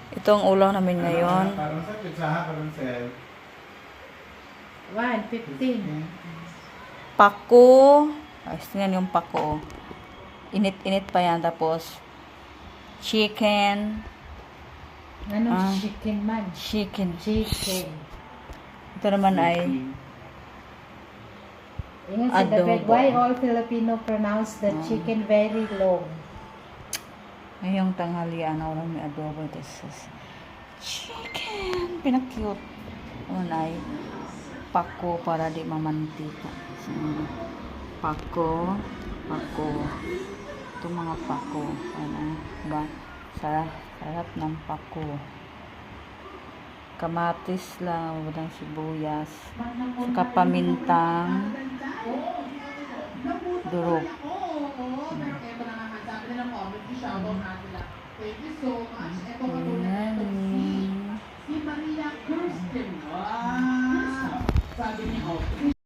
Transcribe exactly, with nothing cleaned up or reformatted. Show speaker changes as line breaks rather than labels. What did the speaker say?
Ito ang ulam namin ngayon.
Parang sa pizza, parang sa...
one fifteen.
Pako. Ayos yan yung pako. Init-init pa yan. Tapos, chicken.
Ano
Ah.
chicken man?
Chicken.
Chicken.
Ito naman ay
Ingat si David,
Adobo.
why all Filipino pronounce the
Ah.
chicken very long?
ngayong tanghalian na ulam may adobo. This is chicken. Pinakyut. Ano ay pako para di mamantika. So, pako. Pako. Ito mga pako. Ano ba? Sarap, sarap ng pako. Kamatis lang, walang sibuyas. Saka pamintang durog. Ayan.